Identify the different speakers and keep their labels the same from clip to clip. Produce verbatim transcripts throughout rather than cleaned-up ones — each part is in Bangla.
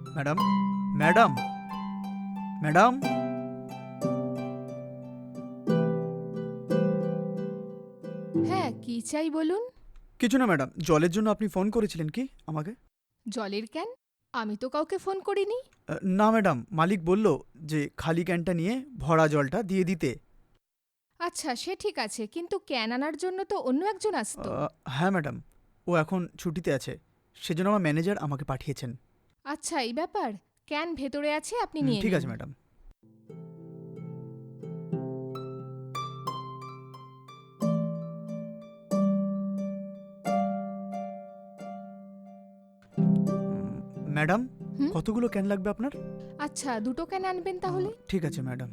Speaker 1: Madam, madam, madam.
Speaker 2: হ্যাঁ, কি চাই বলুন?
Speaker 1: কিছু না ম্যাডাম, জলের জন্য আপনি ফোন করেছিলেন কি আমাকে?
Speaker 2: জলের ক্যান? আমি তো কাউকে ফোন করিনি।
Speaker 1: আহ, না ম্যাডাম, মালিক বলল যে খালি ক্যানটা নিয়ে ভরা জলটা দিয়ে দিতে।
Speaker 2: আচ্ছা, সে ঠিক আছে, কিন্তু ক্যান আনার জন্য তো অন্য একজন আসতো।
Speaker 1: আহ, হ্যাঁ ম্যাডাম, ও এখন ছুটিতে আছে, সেজন্য আমার ম্যানেজার আমাকে পাঠিয়েছেন।
Speaker 2: আচ্ছা, এই ব্যাপার। ক্যান ভেতরে আছে, আপনি
Speaker 1: হুম,
Speaker 2: নিয়ে
Speaker 1: ঠিক
Speaker 2: নিন।
Speaker 1: আছে ম্যাডাম। উম, ম্যাডাম,
Speaker 2: হুম?
Speaker 1: কতগুলো ক্যান লাগবে আপনার?
Speaker 2: আচ্ছা, দুটো ক্যান আনবেন
Speaker 1: আহ,
Speaker 2: তাহলে।
Speaker 1: ঠিক আছে ম্যাডাম।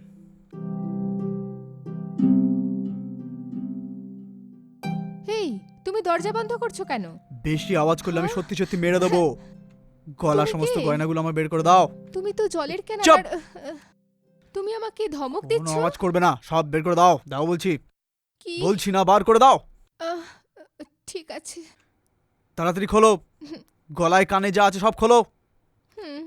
Speaker 2: হেই, তুমি দরজা বন্ধ করছো কেন?
Speaker 1: বেশি আওয়াজ করলে আমি
Speaker 2: হ্যাঁ?
Speaker 1: সত্যি সত্যি মেরে দেবো। গলা
Speaker 2: তুমি
Speaker 1: সমস্ত
Speaker 2: কে?
Speaker 1: গয়নাগুলো আমার বের করে দাও।
Speaker 2: তুমি তো জলের ক্যান
Speaker 1: চুপ!
Speaker 2: আনার আহ, তুমি আমাকে ধমক
Speaker 1: কোনো
Speaker 2: দিচ্ছ?
Speaker 1: আওয়াজ করবে না, সব বের করে দাও। দাও বলছি।
Speaker 2: কি?
Speaker 1: বলছি না, বার করে দাও।
Speaker 2: আহ, ঠিক আছে।
Speaker 1: তাড়াতাড়ি খোলো। গলায় কানে যা আছে সব খোলো।
Speaker 2: হুম।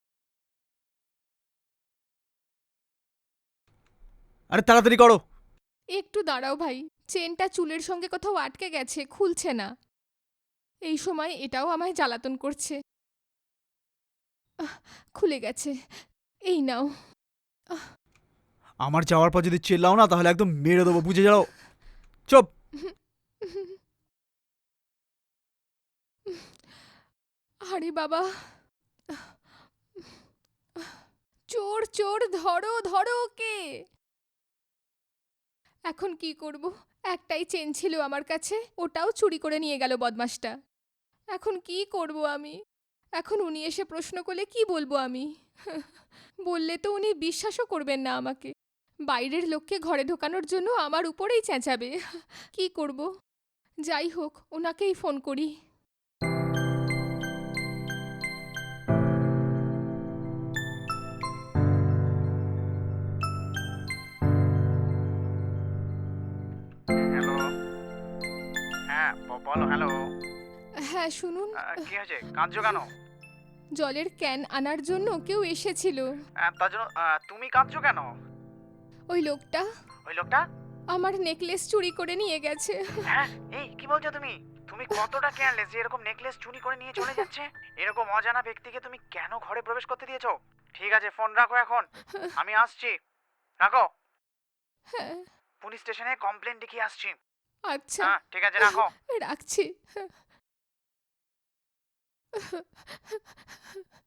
Speaker 1: আরে তাড়াতাড়ি করো।
Speaker 2: একটু দাঁড়াও ভাই, চেনটা চুলের সঙ্গে কোথাও আটকে গেছে, খুলছে না। এই সময় এটাও আমায় জ্বালাতন করছে। আহ, খুলে গেছে। এই নাও। আহ,
Speaker 1: আমার যাওয়ার পর যদি চেল্লাও না তাহলে একদম মেরে দেবো, বুঝে যাও। চুপ!
Speaker 2: আরে বাবা, চোর চোর, ধরো ধরো ওকে। এখন কি করব? একটাই চেন ছিল আমার কাছে, ওটাও চুরি করে নিয়ে গেল বদমাসটা। এখন কি করব আমি? এখন উনি এসে প্রশ্ন করলে কি বলবো আমি? বললে তো উনি বিশ্বাসও করবেন না আমাকে। বাইরের লোককে ঘরে ঢোকানোর জন্য আমার উপরেই চেঁচাবে। কি করব? যাই হোক, ওনাকেই ফোন করি।
Speaker 3: হ্যালো। হ্যাঁ, ব- বলো। হ্যালো।
Speaker 2: হ্যাঁ, শুনুন।
Speaker 3: আহ, কি হয়েছে, কাঁদছো কেন?
Speaker 2: জলের ক্যান আনার জন্য কেউ এসেছিল।
Speaker 3: আহ, তার জন্য আহ, তুমি কাঁদছো কেন?
Speaker 2: ওই লোকটা
Speaker 3: ওই লোকটা?
Speaker 2: আমার নেকলেস চুরি করে নিয়ে গেছে।
Speaker 3: হ্যাঁ, এই কি বলছো তুমি? তুমি কতটা কেয়ারলেস যে এরকম নেকলেস চুরি করে নিয়ে চলে যাচ্ছে? এরকম অজানা ব্যক্তিকে তুমি কেন ঘরে প্রবেশ করতে দিয়েছো? ঠিক আছে, ফোন রাখো এখন, আমি আসছি। রাখো।
Speaker 2: হ্যাঁ,
Speaker 3: পুলিশ স্টেশনে কমপ্লেন লিখিয়ে আসছি।
Speaker 2: আচ্ছা,
Speaker 3: হ্যাঁ, ঠিক আছে, রাখো।
Speaker 2: রাখছি।